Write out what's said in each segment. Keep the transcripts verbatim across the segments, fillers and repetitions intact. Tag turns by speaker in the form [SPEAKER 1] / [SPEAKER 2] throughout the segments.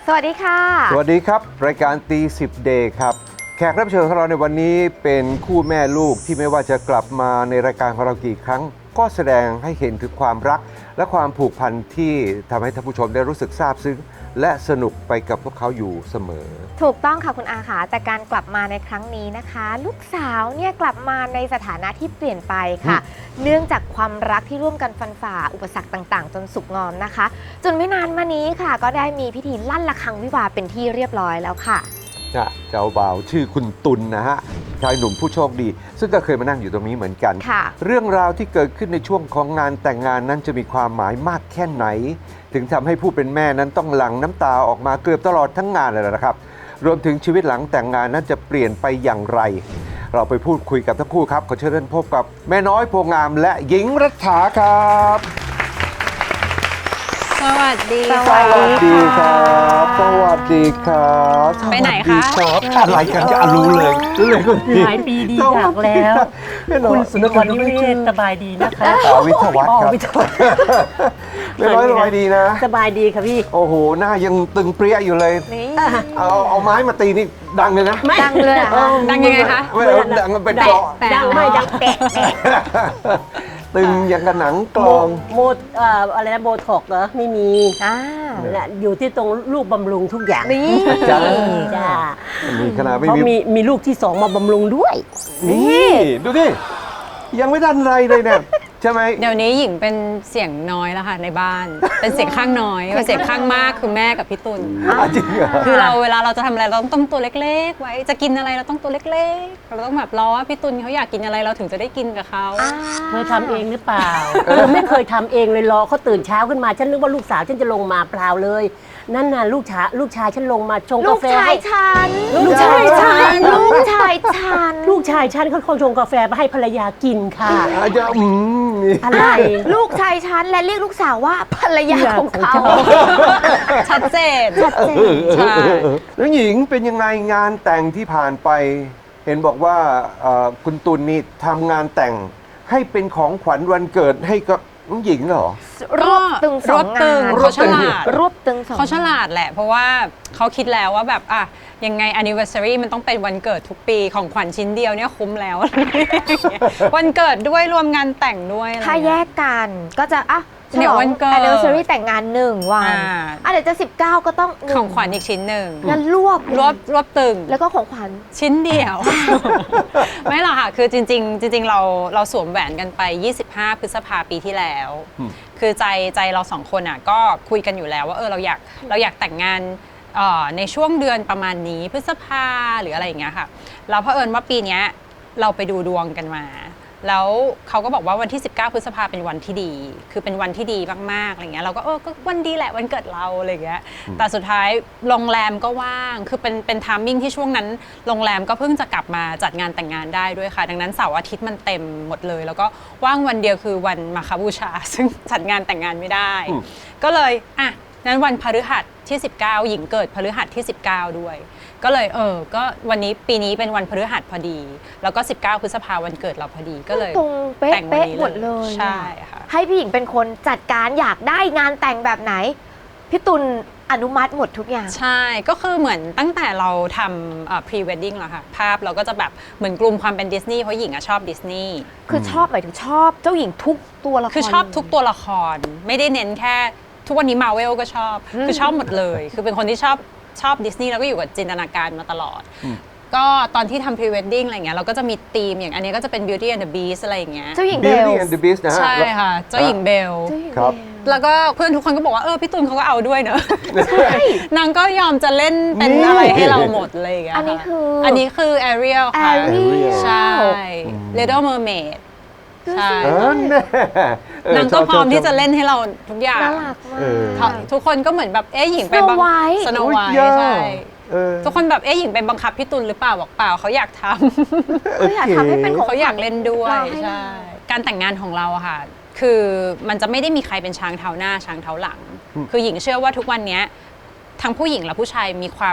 [SPEAKER 1] สวัสดีค่ะ
[SPEAKER 2] สวัสดีครับรายการตีสิบเดย์ครับแขกรับเชิญของเราในวันนี้เป็นคู่แม่ลูกที่ไม่ว่าจะกลับมาในรายการของเรากี่ครั้งก็แสดงให้เห็นถึงความรักและความผูกพันที่ทำให้ท่านผู้ชมได้รู้สึกซาบซึ้งและสนุกไปกับพวกเขาอยู่เสมอ
[SPEAKER 1] ถูกต้องค่ะคุณอาค่ะแต่การกลับมาในครั้งนี้นะคะ ลูกสาวเนี่ยกลับมาในสถานะที่เปลี่ยนไปค่ะเนื่องจากความรักที่ร่วมกันฟันฝ่าอุปสรรคต่างๆจนสุกงอมนะคะจนไม่นานมานี้ค่ะก็ได้มีพิธีลั่นระฆังวิวาห์เป็นที่เรียบร้อยแล้วค่ะ
[SPEAKER 2] เจ้าบ่าวชื่อคุณตุลนะฮะชายหนุ่มผู้โชคดีซึ่งก็เคยมานั่งอยู่ตรงนี้เหมือนกันเรื่องราวที่เกิดขึ้นในช่วงของงานแต่งงานนั้นจะมีความหมายมากแค่ไหนถึงทำให้ผู้เป็นแม่นั้นต้องหลั่งน้ำตาออกมาเกือบตลอดทั้งงานเลยนะครับรวมถึงชีวิตหลังแต่งงานนั้นจะเปลี่ยนไปอย่างไรเราไปพูดคุยกับทั้งคู่ครับขอเชิญท่านพบกับแม่น้อยโพงามและหญิงรัฐาครับ
[SPEAKER 3] สวัสดี
[SPEAKER 2] สวัสดีครับสวัสดีครับ
[SPEAKER 3] ไปไหนคะ
[SPEAKER 2] อะไรกันจะรู้เลยรู้เลยคุณ
[SPEAKER 4] หลายปีดีอยากแล้วคุณสุนทรนิเวศสบายดีนะคะ
[SPEAKER 2] วิทยาวัฒน์ครับไม่ร้อยสบายดีนะ
[SPEAKER 4] สบายดีค่ะพี่
[SPEAKER 2] โอ้โหหน้ายังตึงเปรี้ยอยู่เลยเอาเอาไม้มาตีนี่ดังเลยนะ
[SPEAKER 1] ดังเลย
[SPEAKER 3] ดังยังไงคะ
[SPEAKER 2] ไม่ดังมันเป็นเกาะ
[SPEAKER 4] ดังไม่ดังแตะ
[SPEAKER 2] ตึงอย่างกับหนังกลอง
[SPEAKER 4] โมอะไรนะโบท็อกเหรอไม่มีอยู่ที่ตรงลูกบำรุงทุกอย่าง
[SPEAKER 1] นี่
[SPEAKER 2] จ้า
[SPEAKER 4] จ้า
[SPEAKER 2] มีขนาดไม่
[SPEAKER 4] มีมีมีลูกที่สองมาบำรุงด้วย
[SPEAKER 2] นี่ดูดิยังไม่ทันไรเลยเนี่ยใช่ไหม
[SPEAKER 3] เดี๋ยวนี้หญิงเป็นเสียงน้อยแล้วค่ะในบ้านเป็นเสียงข้างน้อยเป็นเสียงข้างมากคือแม่กับพี่ตุล
[SPEAKER 2] จริงเหรอ
[SPEAKER 3] คือเราเวลาเราจะทำอะไรเราต้องตัวเล็กๆไว้จะกินอะไรเราต้องตัวเล็กๆเราต้องแบบรอว่าพี่ตุลเขาอยากกินอะไรเราถึงจะได้กินกับเขา
[SPEAKER 4] เธอทำเองหรือเปล่าเธอไม่เคยทำเองเลยรอเขาตื่นเช้าขึ้นมาฉันนึกว่าลูกสาวฉันจะลงมาเปล่าเลยนั่นน่ะลูกชายลูกชายฉันลงมาชงกาแฟ
[SPEAKER 1] ลูกชายฉัน
[SPEAKER 4] ลูกชายฉัน
[SPEAKER 1] ลูกชายฉัน
[SPEAKER 4] ลูกชายฉันเขาคงชงกาแฟมาให้ภรรยากินค่ะ
[SPEAKER 2] จะอืม
[SPEAKER 4] อะไร
[SPEAKER 1] ลูกชายฉันและเรียกลูกสาวว่าภรรยาของเขา
[SPEAKER 3] ชัดเจน
[SPEAKER 1] ชัดเจน
[SPEAKER 3] ใช่
[SPEAKER 2] แล้วหญิงเป็นยังไงงานแต่งที่ผ่านไปเห็นบอกว่าคุณตุลนี่ทำงานแต่งให้เป็นของขวัญวันเกิดให้กับน้องหญิงเหรอ
[SPEAKER 1] รวบตึงสองงาน
[SPEAKER 3] เขาฉลาด
[SPEAKER 1] รวบตึงสอง
[SPEAKER 3] เขาฉลาดแหละเพราะว่าเขาคิดแล้วว่าแบบอ่ะยังไง anniversary มันต้องเป็นวันเกิดทุกปีของขวัญชิ้นเดียวเนี่ยคุ้มแล้ววันเกิดด้วยรวมงานแต่งด้วย
[SPEAKER 1] ถ้าแยกกันก็จะอ่ะ
[SPEAKER 3] เดี๋ยววันเกิด
[SPEAKER 1] anniversary แต่งงานหนึ่งวันอ่ะเดี๋ยวจะสิบเก้าก็ต้อง
[SPEAKER 3] ของขวัญอีกชิ้นหนึ่ง
[SPEAKER 1] แล้วรวบ
[SPEAKER 3] รวบรวบตึง
[SPEAKER 1] แล้วก็ของขวัญ
[SPEAKER 3] ชิ้นเดียวไม่หรอกค่ะคือจริงๆจริงๆเราเราสวมแหวนกันไปยี่สิบห้าพฤษภาปีที่แล้วคือใจใจเราสองคนอ่ะก็คุยกันอยู่แล้วว่าเออเราอยากเราอยากแต่งงานในช่วงเดือนประมาณนี้พฤษภาหรืออะไรอย่างเงี้ยค่ะเราเผอิญว่าปีนี้เราไปดูดวงกันมาแล้วเขาก็บอกว่าวันที่สิบเก้าพฤษภาเป็นวันที่ดีคือเป็นวันที่ดีมากๆอะไรเงี้ยเราก็เออก็วันดีแหละวันเกิดเราอะไรเงี้ยแต่สุดท้ายโรงแรมก็ว่างคือเป็นเป็นไทมิ่งที่ช่วงนั้นโรงแรมก็เพิ่งจะกลับมาจัดงานแต่งงานได้ด้วยค่ะดังนั้นเสาร์อาทิตย์มันเต็มหมดเลยแล้วก็ว่างวันเดียวคือวันมาฆบูชาซึ่งจัดงานแต่งงานไม่ได้ก็เลยอ่ะนั้นวันพฤหัสที่สิบเก้าหญิงเกิดพฤหัสที่สิบเก้าด้วยก็เลยเออก็วันนี้ปีนี้เป็นวันพฤหัสพอดีแล้วก็สิบเก้าพฤษภาวันเกิดเราพอดีก็เลย
[SPEAKER 1] ตรงเป๊ะเป๊ะหมดเลย
[SPEAKER 3] ใช่ค่ะ
[SPEAKER 1] ให้พี่หญิงเป็นคนจัดการอยากได้งานแต่งแบบไหนพี่ตุลอนุมัติหมดทุกอย่าง
[SPEAKER 3] ใช่ก็คือเหมือนตั้งแต่เราทำ pre wedding แล้วค่ะภาพเราก็จะแบบเหมือนกลุ่มความเป็นดิสนีย์เพราะหญิงอะชอบดิสนีย์
[SPEAKER 1] คือชอบหมายถึงชอบเจ้าหญิงทุกตัวละคร
[SPEAKER 3] คือชอบทุกตัวละครไม่ได้เน้นแค่ทุกวันนี้มาเวลก็ชอบคือชอบหมดเลยคือเป็นคนที่ชอบชอบดิสนีย์แล้วก็อยู่กับจินตนาการมาตลอดก็ตอนที่ทำ pre wedding อะไรเงี้ยเราก็จะมีธีมอย่างอันนี้ก็จะเป็น Beauty and the Beast อะไรอย่างเงี้ย
[SPEAKER 1] เจ้าหญิงเบล
[SPEAKER 2] Beauty and the Beast นะฮะ
[SPEAKER 3] ใช่ค่ะเจ้าหญิงเบล
[SPEAKER 2] ครับ
[SPEAKER 3] แล้วก็เพื่อนทุกคนก็บอกว่าเออพี่ตุลเขาก็เอาด้วยเนอะนางก็ยอมจะเล่นเป็นอะไรให้เราหมดเลยอย่างเงี้ย
[SPEAKER 1] อันนี้คือ
[SPEAKER 3] อันนี้คือ Ariel ค่ะ
[SPEAKER 1] Ariel
[SPEAKER 3] ใช่ Little Mermaidใช่
[SPEAKER 2] น
[SPEAKER 3] างก็พร้อมที่จะเล่นให้เราทุกอย่าง
[SPEAKER 1] น่ารักมาก
[SPEAKER 3] ทุกคนก็เหมือนแบบเอ๊ะหญิงไปบังคับสโนไวท์ใช่ทุกคนแบบเอ๊ะหญิงไปบังคับพี่ตุลหรือเปล่าบอกเปล่าเขาอยากทำ
[SPEAKER 1] เขาอยากทำให้เป็นของ
[SPEAKER 3] เขาอยากเล่นด้วยใช่การแต่งงานของเราอะค่ะคือมันจะไม่ได้มีใครเป็นช้างเท้าหน้าช้างเท้าหลังคือหญิงเชื่อว่าทุกวันนี้ทั้งผู้หญิงและผู้ชายมีความ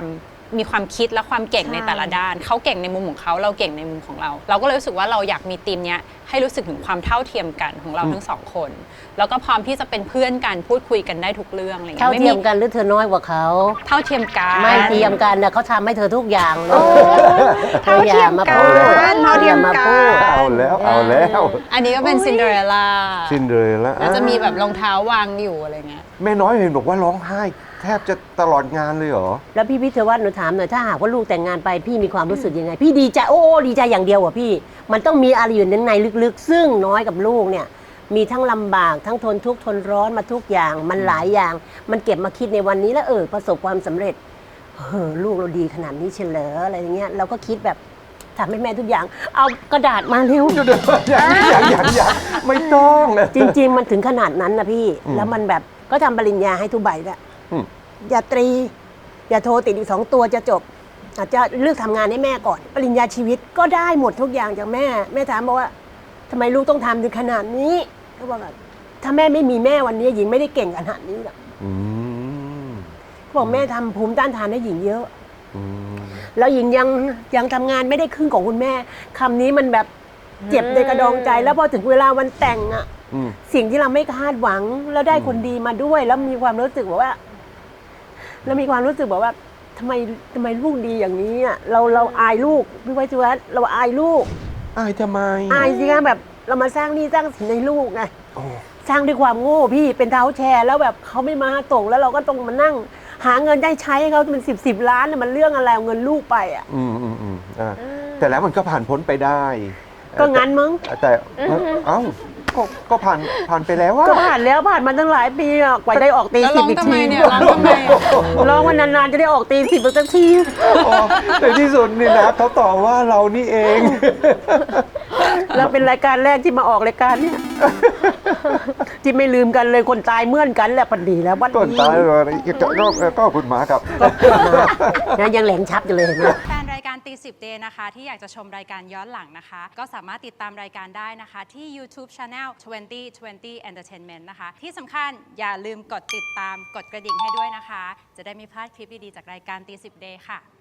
[SPEAKER 3] มีความคิดและความเก่ง
[SPEAKER 1] ใช่
[SPEAKER 3] ในแต่ละด้านเขาเก่งในมุมของเขาเราเก่งในมุมของเรา เราก็เลยรู้สึกว่าเราอยากมีทีมเนี้ยให้รู้สึกถึงความเท่าเทียมกันของเราทั้งสองคน แล้วก็พร้อมที่จะเป็นเพื่อนกันพูดคุยกันได้ทุกเรื่องอะไรเงี้
[SPEAKER 4] เท่าย
[SPEAKER 3] ไม่
[SPEAKER 4] เที
[SPEAKER 3] มี
[SPEAKER 4] ยมกันหรือเธอน้อยกว่าเขา
[SPEAKER 3] เท่าเทียมกัน
[SPEAKER 4] ไม่เทียมกันนะเขาทำให้เธอทุกอย่างเลย
[SPEAKER 1] เท่าเทียมกัน
[SPEAKER 4] เท่าเทียมมาพูด
[SPEAKER 2] เอาแล้วเอาแล้ว
[SPEAKER 3] อันนี้ก็เป็นซินเดอเรลล่า
[SPEAKER 2] ซินเดอเรลล่า
[SPEAKER 3] แล้วจะมีแบบรองเท้าวางอยู่อะไรเงี้ย
[SPEAKER 2] แม่น้อยเห็นบอกว่าร้องไห้แทบจะตลอดงานเลยเหรอ
[SPEAKER 4] แล้วพี่พิทวัฒน์หนูถามหน่อยถ้าหากว่าลูกแต่งงานไปพี่มีความรู้สึกยังไง พี่ดีใจโอ้โอ้ดีใจอย่างเดียวอ่ะพี่ มันต้องมีอะไรอยู่ในลึกๆ ซึ่งน้อยกับลูกเนี่ย มีทั้งลำบากทั้งทนทุกข์ทนร้อนมาทุกอย่าง มันหลายอย่าง มันเก็บมาคิดในวันนี้แล้วเออประสบความสำเร็จเออลูกเราดีขนาดนี้เฉลออะไรอย่างเงี้ยเราก็คิดแบบทำให้แม่ทุกอย่าง เอากระดาษมาเร็ว
[SPEAKER 2] อย่างอย่างอย่างอย่างไม่ต้องนะ
[SPEAKER 4] จริง ๆ มันถึงขนาดนั้นนะพี่
[SPEAKER 2] อืม
[SPEAKER 4] แล้วมันแบบก็ทำปริญญาให้ทุกใบด้วย
[SPEAKER 2] อืม
[SPEAKER 4] อย่าตรี อย่าโทรติดอีกสองตัวจะจบ อาจจะเลือกทำงานให้แม่ก่อน ปริญญาชีวิตก็ได้หมดทุกอย่างจากแม่ แม่ถามบอกว่าทำไมลูกต้องทำถึงขนาดนี้เขาบอกว่าถ้าแม่ไม่มีแม่วันนี้หญิงไม่ได้เก่งขนาดนี้หรอก
[SPEAKER 2] อืม
[SPEAKER 4] เขาบอกแม่ทำภูมิต้านทานให้หญิงเยอะ
[SPEAKER 2] อืม
[SPEAKER 4] แล้วหญิงยังยังทำงานไม่ได้ครึ่งของคุณแม่คำนี้มันแบบเจ็บในกระดองใจ แล้วพอถึงเวลาวันแต่งอะ
[SPEAKER 2] อืม
[SPEAKER 4] สิ่งที่เราไม่คาดหวังแล้วได้คนดีมาด้วย แล้วมีความรู้สึกแบบว่า แล้วมีความรู้สึกแบบว่าทำไมทำไมลูกดีอย่างนี้อ่ะเราเราอายลูกพี่ไว้ชวัฒน์เราอายลูก
[SPEAKER 2] อายทำไม
[SPEAKER 4] อายสิคะแบบเรามาสร้างหนี่สร้างสินให้ลูกไง
[SPEAKER 2] โอ้
[SPEAKER 4] สร้างด้วยความโง่พี่เป็นเท้าแชร์แล้วแบบเขาไม่มาส่งแล้วเราก็ต้องมานั่ง หาเงินได้ใช้ให้เขาเป็นสิบสิบล้านน่ะมันเรื่องอะไรเอาเงินลูกไปอ่ะ
[SPEAKER 2] อืมอืมอืมอ่าแต่แล้วมันก็ผ่านพ้นไปได้
[SPEAKER 4] ก็งั้นมั้ง
[SPEAKER 2] แต่แต่เอ้าก็ก็ผ่านผ่านไปแล้วว่า
[SPEAKER 4] ก็ผ่านแล้วผ่านมาตั้งหลายปีอ่ะกว่าจะได้ออกตี
[SPEAKER 3] แล้ว
[SPEAKER 4] สิ
[SPEAKER 3] ร้
[SPEAKER 4] บ
[SPEAKER 3] อง
[SPEAKER 4] อีก
[SPEAKER 3] ทำไม
[SPEAKER 4] ที
[SPEAKER 3] เนี่ยร้องทำไมอะ
[SPEAKER 4] ร้องวันนานๆจะได้ออกตีสิบสักที
[SPEAKER 2] ในที่สุดนี่นะเขาตอบว่าเรานี่เอง
[SPEAKER 4] แล้วเป็นรายการแรกที่มาออกรายการเนี่ย ที่ไม่ลืมกันเลยคนตายเมื่อนกันแหละปันดีแล้ววัน
[SPEAKER 2] ต้น
[SPEAKER 4] นี้
[SPEAKER 2] ตายเลยก็ก็ก็คุณหมาครับ
[SPEAKER 4] นะยังแหลงชับอยู่เลยเห็นไหม
[SPEAKER 3] แฟนรายการตีสิบเดย์นะคะที่อยากจะชมรายการย้อนหลังนะคะ ก็สามารถติดตามรายการได้นะคะที่ YouTube Channel ยี่สิบ ยี่สิบ Entertainment นะคะ ที่สำคัญอย่าลืมกดติดตามกดกระดิ่งให้ด้วยนะคะ จะได้ไม่พลาดคลิปดี ๆ จากรายการตีสิบเดย์ค่ะ